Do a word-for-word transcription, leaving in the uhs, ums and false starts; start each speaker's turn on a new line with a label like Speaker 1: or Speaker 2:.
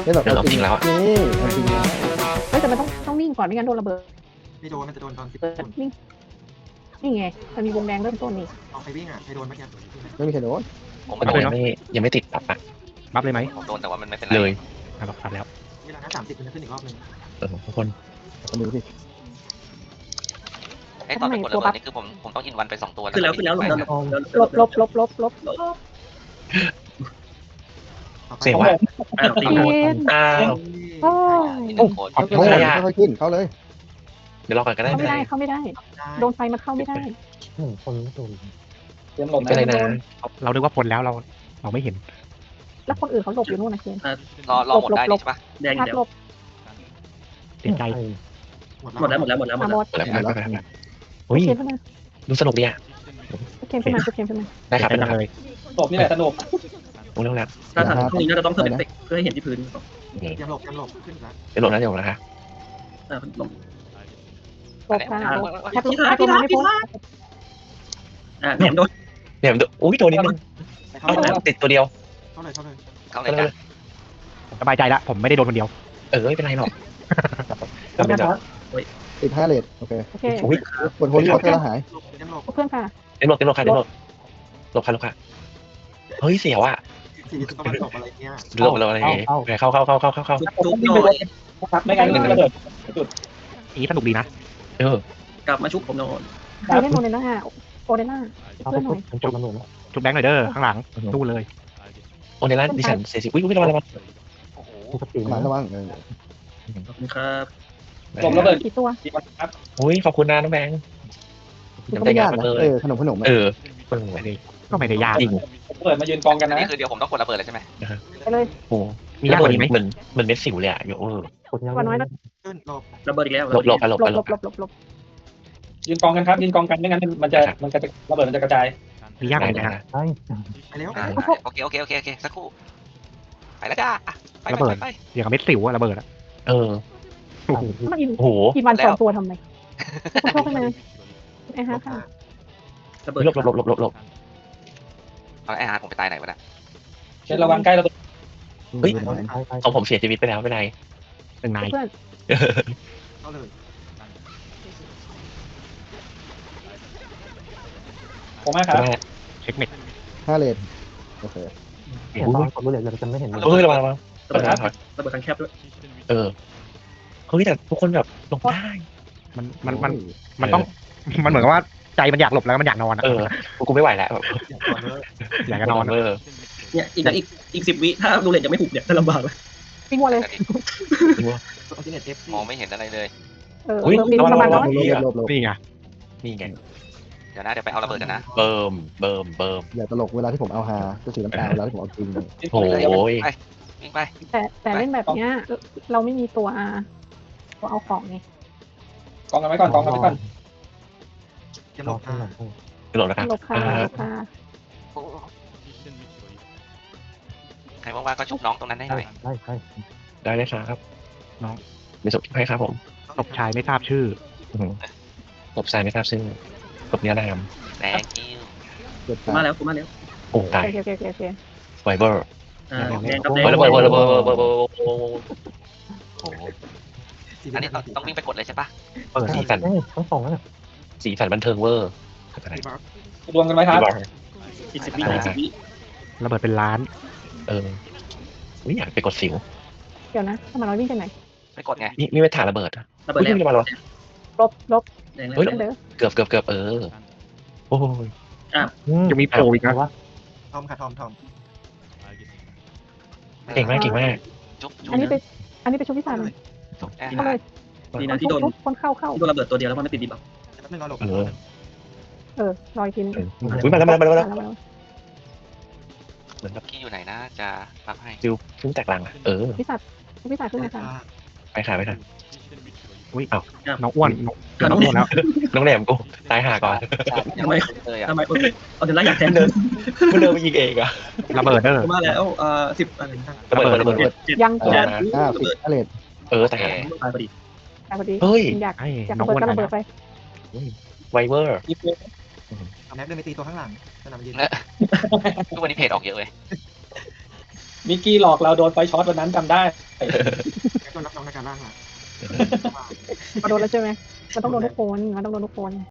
Speaker 1: ไม่หรอก
Speaker 2: เดี๋ยวเราทิ้งแล้วอะ
Speaker 1: นี่เอาจริงแล้ว
Speaker 3: เฮ้ยแต่มันต้องต้องนิ่งก่อนไม่งั้นโดนระเบิด
Speaker 4: ไม่โดนมันจะโดนตอนสิบ
Speaker 3: เปิด
Speaker 4: คน
Speaker 3: นิ่งนี่ไงมันมีวงแดงเริ่มต้นนี่
Speaker 4: เอาใครวิ่งอ่ะใครโดนเมื่อกี้
Speaker 1: ไม่มีใครโดน
Speaker 2: ผมไม่ยังไม่ยังไม่ติดปับอะ
Speaker 5: บัฟเลยไหม
Speaker 6: ผมโดนแต่ว่ามันไม่เป็นไร
Speaker 2: เลย
Speaker 5: อ่ะบัฟตัดแล้ว
Speaker 4: เวลาหน้าสามสิบมันจะขึ้นอีกรอบนึง
Speaker 2: เออทุกคน
Speaker 1: เอาดูสิ
Speaker 6: ไอ้ตอนเป็นกดระเบิดนี่คือผมผมต้องอินวันไปสองตัว
Speaker 7: ขึ้นแล้วขึ้นแล้วหลบแล้วหลบแล้ว
Speaker 3: ลบลบลบลบลบลบ
Speaker 2: เสียว่ะ
Speaker 7: อ้าวตี
Speaker 3: เ
Speaker 7: หมด
Speaker 3: ย็น
Speaker 2: อ้าว
Speaker 3: โอ้
Speaker 6: มีหนึ่งคน
Speaker 1: เข้าเลยค่อยๆขึ้นเข้าเลย
Speaker 2: เดี๋ยวรอก่อนก็ได้
Speaker 3: เข้า
Speaker 2: ไม่
Speaker 3: ไม่
Speaker 2: เป็นไร
Speaker 3: ได้เข้าไม่ได้ โดนไฟมันเข้าไม่ได้
Speaker 1: คนไม่โดน
Speaker 8: เตรียมหลบ
Speaker 2: ไม่เป็นไร
Speaker 8: นะ
Speaker 2: นะ
Speaker 5: เรานึกว่าพ้นแล้วเราเราไม่เห็น
Speaker 3: แล้วคนอื่นเขาหลบอยู่นู่นนะเคน
Speaker 6: รอรอหมดได้นี่ใช่ปะ
Speaker 7: แดง
Speaker 3: พัด
Speaker 7: เดี๋ยว
Speaker 3: หลบ
Speaker 5: เสียใจ
Speaker 7: หมดแล้วหมดแล้วหมดแล้วหมด
Speaker 3: มา
Speaker 7: แล้ว
Speaker 3: หมด
Speaker 2: แล้วแล้วแล้วเฮ้ย
Speaker 3: เคนขึ้นมา
Speaker 2: ดูสนุกดีอ่ะ
Speaker 3: เคนขึ้นมาเคนขึ้นมา
Speaker 2: ได้ครับ
Speaker 5: เสีย
Speaker 2: ได้
Speaker 5: ใจ
Speaker 2: ครับ
Speaker 5: เลย
Speaker 8: หลบนี่แหละสนุก
Speaker 2: โอ้เร็วแล้ว
Speaker 7: ถ้าทันพรุ่งนี้น่าจะต้องเพิ่มเอฟเฟกต์เพื่อให้เห็นที่พื้น
Speaker 2: นี่
Speaker 4: เตรียมหลบเตรียมหลบขึ้นแล้ว
Speaker 2: เดี๋ยวหลบนะเดี๋ยวหลบนะคะ
Speaker 7: อ่าลง
Speaker 3: หลบค่ะหลบแทบแทบตัวมันไม่พ้น
Speaker 7: อ่าแหนมโดน
Speaker 2: เนี่ยมันอุ้ยโดนนิดนึง
Speaker 4: เข้า
Speaker 2: เอ้า
Speaker 4: เลย
Speaker 2: ติดตัวเดียว
Speaker 4: เข้าเลยเข้าเลย
Speaker 6: เข้าเลยจ้ะ
Speaker 5: สบายใจละผมไม่ได้โดนคนเดียว
Speaker 2: เออไม่เป็นไรหรอกทำเป็นแบบ
Speaker 1: ติดห้าเลทโอเค
Speaker 3: โอเค
Speaker 2: อุ้ย
Speaker 1: กดโฮลี่วอเตอร์แล้วหาย
Speaker 4: หลบเตรียมหลบ
Speaker 3: เพื่อนค่ะ
Speaker 2: เต็มหลบเต็มหลบค่ะเต็มหลบหลบค่ะหลบค่ะเฮ้ยเสียวอ่ะ
Speaker 4: สี่ตะวันตกอะไรเงี้ย
Speaker 2: หลบหลบอะไรอย่างเงี้ยเข้าเข้าเข้าเข้าเข้าเข้า
Speaker 7: ทุบหน่อย
Speaker 8: ครับไม่งั้นมันระเบิด
Speaker 5: อีสนุกดีนะ
Speaker 2: เออก
Speaker 7: ลับมาชุบผมนอน
Speaker 3: ใครเล่นโมเดล่าโมเดล่าเพื่อนหน่อย
Speaker 5: จุดแบงค์หน่อยเด้อข้างหลังสู้เลย
Speaker 2: โอเนล่าดิฉันเสียสิอุ้ยอุ้ยระวังระวัง
Speaker 6: โอ้โห
Speaker 1: หลังระวังเออ
Speaker 7: ขอบคุณครับ
Speaker 8: หลบระเบิด
Speaker 3: กี่ตัว
Speaker 8: กี่วันครับ
Speaker 2: อุ้ยขอบคุณนะน้องแบงค์
Speaker 1: ก็ไม่ยากนะเออขนมขนม
Speaker 2: เออ
Speaker 5: ไม่ได้ก็ไม่ได้ยาก
Speaker 2: จริง
Speaker 8: ระเบิดมายืนกองกันนะ
Speaker 6: นี่คือเดี๋ยวผมต้องกดระเบิดเลยใช่ไหม
Speaker 3: ไปเลย
Speaker 2: โอ้
Speaker 5: มียากกว่านี้ไหม
Speaker 2: เหมือนเหมือนเม็ดสิวเลยอ่ะโยเออ
Speaker 3: วันน้อยแล้ว
Speaker 4: ขึ้นหลบ
Speaker 7: ระเบิดอีกแล้ว
Speaker 2: หลบหลบหลบ
Speaker 3: หลบ
Speaker 2: ห
Speaker 3: ห
Speaker 2: ล
Speaker 3: ล
Speaker 2: บบ
Speaker 3: หลบหลบหลบ
Speaker 8: ยืนกองกันครับยืนกองกันไม่งั้นมันจะมันจะระเบิดมันจะกระจาย
Speaker 5: มียากกว่านี้ไหม
Speaker 4: ไปเร็ว
Speaker 6: อ่าโอเคโอเคโอเคโอเคสักครู่ไปแล้วจ้าไปไปไป
Speaker 5: อย่างกับเม็ดสิวอะระเบิดอะ
Speaker 2: เออ
Speaker 5: โอ้โห
Speaker 3: มันอิน
Speaker 2: โอ้โห
Speaker 3: กินวันสองตัวทำไมคุณเข้าไปมาไอ้ฮะค่ะ
Speaker 7: ระเบิด
Speaker 2: หลบหลบหลบหลบหลบ
Speaker 6: เอาไอ้ฮาร์ดผมไปตายไหนวะน่ะ
Speaker 8: เช่นระวังใกล้ระเบิด
Speaker 2: เฮ้ยของผมเสียชีวิตไปแล้วไม่เป็นไร
Speaker 5: หนึ่งนาย
Speaker 3: เพื่อน
Speaker 4: เข้าเลย
Speaker 8: ผมมากครับ
Speaker 5: เช็คเม็ด
Speaker 1: ห้าเลทโอเค
Speaker 2: เฮ้ยระวังระวัง
Speaker 7: ระเบิดครับระเบิดทางแคบด้วย
Speaker 2: เออเฮ้ยแต่ทุกคนแบบหลบได้
Speaker 5: มันมันมันมันต้องมันเหมือนกับว่าใจมันอยากหลบแล้วมันอยากนอนอะ
Speaker 2: เออกูไม่ไหวแล้ว
Speaker 5: อยากจะนอน
Speaker 2: เออ
Speaker 7: เนี่ยอีกอีกอีกสิบวิถ้าดูเลนยังไม่หุบเนี่ยจะลำบากเลย
Speaker 3: ปิ้งวัวเลย
Speaker 4: อัลติเนตเอฟ
Speaker 6: มองไม่เห็นอะไรเลย
Speaker 3: เออปิ้งประมาณน้อย
Speaker 1: หลบหลบ
Speaker 5: นี่ไง
Speaker 2: นี่ไง
Speaker 6: เดี๋ยวนะเดี๋ยวไปเอาระเบิดกันนะ
Speaker 2: เบิ่มเบิ่มเบิ่ม
Speaker 1: อย่าตลกเวลาที่ผมเอาฮาก็สีน้ำตาเวลาที่ผมเอาจริง
Speaker 2: โอ้ย
Speaker 6: วิ่งไป
Speaker 3: แต่แต่เล่นแบบเนี้ยเราไม่มีตัวอาตัวเอาของไง
Speaker 8: กองกันไว้ก่อนกองกันไว้ก่อน
Speaker 4: เตรียมหลบค่ะ
Speaker 2: หลบนะครับ
Speaker 3: หลบค่ะหลบค่ะ
Speaker 6: ใครว่างๆก็ชุบน้องตรงนั้นให้หน่อย
Speaker 2: ได้เลยครับน้องมีศพให้ครับผม
Speaker 5: ศพชายไม่ทราบชื่อ
Speaker 2: ศพชายไม่ทราบชื่อศพเนี้ยนะครับ
Speaker 6: แดงกิ้ว
Speaker 1: เกิด
Speaker 7: มาแล้วกูมาแล้ว
Speaker 2: โอ้ตาย
Speaker 3: โอเคโอเคโอเคโอเค
Speaker 2: ไวเบอร์
Speaker 7: อ่าแดงกับแดง
Speaker 2: ระเบิดระเบิดระเบิดระเบิดระเบิดโอ้โห
Speaker 6: อันนี้ต้องวิ่งไปกดเลยใช่ปะ
Speaker 2: เปิดสีสันสีสันบันเทิงเวอร์
Speaker 8: รวมกันไว้ครับ
Speaker 7: อีกสิบวิอีกสิบวิ
Speaker 5: ระเบิดเป็นล้าน
Speaker 2: เออไม่อยากไปกดสิว
Speaker 3: เดี๋ยวนะทำไมเราวิ่งไปไหน
Speaker 6: ไปกดไง
Speaker 2: นี่นี่ไม่ถ่ายระเบิด
Speaker 7: ระเบิดแล้ว
Speaker 2: ไม่ระเบิด
Speaker 3: ลบลบ
Speaker 7: แดงแล้ว
Speaker 2: เฮ้ย
Speaker 3: เด้อ
Speaker 2: เกือบเกือบเกือบเออโอ้ย
Speaker 5: ยังมีโผล่อีกนะ
Speaker 4: ทอมค่ะทอมทอม
Speaker 2: เก่งมากเก่งมาก
Speaker 6: จุ๊บจุ๊บ
Speaker 3: อันนี้ไปอันนี้ไปชุบพิซซ่าเลย
Speaker 6: แอร์
Speaker 3: เข้าเลย
Speaker 7: ดีนะที่โดน
Speaker 3: คนเข้าเข้า
Speaker 7: ที่โดนระเบิดตัวเดียวแล้วมันไม่ติดดีบัฟ
Speaker 4: แป๊บนึงรอหลบ
Speaker 2: เออ
Speaker 3: เออรอยทีนึง
Speaker 2: อุ้ยมาแล้วมาแล้วมาแล้ว
Speaker 3: มาแล้ว
Speaker 2: เหมือนแบบ
Speaker 6: กี้อยู่ไหนนะจะรับให้
Speaker 2: ฟิวฟิวแตกลังอ่ะเออ
Speaker 3: พิซซ่าพิซซ่าขึ้นมาค่ะ
Speaker 2: ไปค่ะไปค่ะ
Speaker 5: น้องอ้วนน้องอ้วนแล้ว
Speaker 2: น้องแหนมกูตายห่าก่อน
Speaker 7: ทำไม
Speaker 6: เลยอ่ะ
Speaker 7: ทำไมเอาเดล่าอยากแทน
Speaker 2: เดินมันเดินไปยิงเองอ่ะ
Speaker 5: ระเบิดเด้อ
Speaker 7: มาแล้วเอ่อสิบอะไร
Speaker 2: ระเบิดระเบิดระเบิด
Speaker 7: เจ็ด
Speaker 3: ยัง
Speaker 2: เออ
Speaker 1: อ่าสิบห้าเลท
Speaker 2: เออแต่
Speaker 6: โอเค
Speaker 7: ตายพอดี
Speaker 3: แต่พอดี
Speaker 2: เฮ้ย
Speaker 3: อยาก
Speaker 5: ไอ้
Speaker 3: อยาก
Speaker 5: น้อ
Speaker 3: ระ
Speaker 5: ง
Speaker 3: เบิด
Speaker 5: อ้วน
Speaker 3: ก็ระเบิด
Speaker 5: นะ
Speaker 3: ไป
Speaker 2: ไวเวอร์
Speaker 4: เอาแม็กเดินไปตีตัวข้างหลังสนามยืน
Speaker 6: ทุกวันนี้เพจออกเยอะเลย
Speaker 8: มิกกี้หลอกเราโดนไฟช็อตวันนั้นจำได้
Speaker 4: แค่ตัวรับน้องในการล่างมา
Speaker 3: มาโดนแล้วใช่ไหมมันต้องโดนทุกคนมันต้องโดนทุกคน